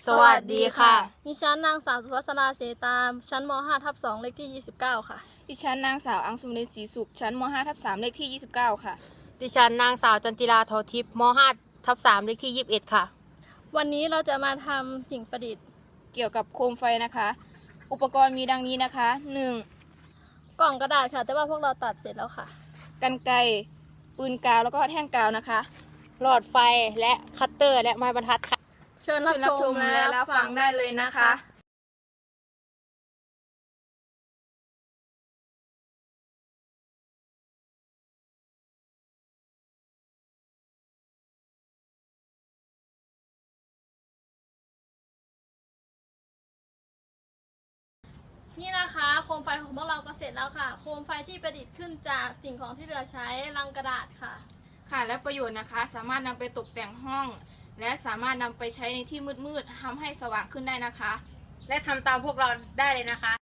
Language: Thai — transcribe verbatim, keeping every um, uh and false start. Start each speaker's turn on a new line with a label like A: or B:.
A: สวัสดีค่ะ
B: ดิฉันนางสาวสุภัสราเสตามชั้นม ห้า ทับ สอง เลขที่ ยี่สิบเก้า ค่ะ
C: ดิฉันนางสาวอังสุรินทร์ศรีสุขชั้นม ห้า ทับ สาม เลขที่ ยี่สิบเก้า ค่ะ
A: ดิฉันนางสาวจันจิราโททิพย์ม ห้า ทับ สาม เลขที่ ยี่สิบเอ็ด ค่ะ
B: วันนี้เราจะมาทำสิ่งประดิษฐ์
C: เกี่ยวกับโคมไฟนะคะ อุปกรณ์มีดังนี้นะคะ หนึ่ง
B: กล่องกระดาษค่ะ แต่ว่าพวกเราตัดเสร็จแล้วค่ะ
C: กรรไกรปืนกาวแล้วก็แท่งกาวนะคะ
A: หลอดไฟและคัตเตอร์และไม้บรรทัดค่ะ
B: เชิญรับ
C: เชิญรับ
B: ช
C: ช
B: ม
C: ม
B: และ
C: และ
B: รั
C: รั
B: บบ ฟั
C: ฟั
B: ง
C: ง
B: ได้
C: ได้
B: เล
C: เลย ย
B: นะ
C: นะคะ คะ
B: นี่นะคะโคมไฟของพวกเราก็เสร็จแล้วค่ะ โคมไฟที่ประดิษฐ์ขึ้นจากสิ่งของที่เหลือใช้ลังกระดาษค่ะ
C: ค่ะและประโยชน์นะคะ สามารถนำไปตกแต่งห้อง และสามารถนำไปใช้ในที่มืดๆทำให้สว่างขึ้นได้นะคะ
A: และทำตามพวกเราได้เลยนะคะ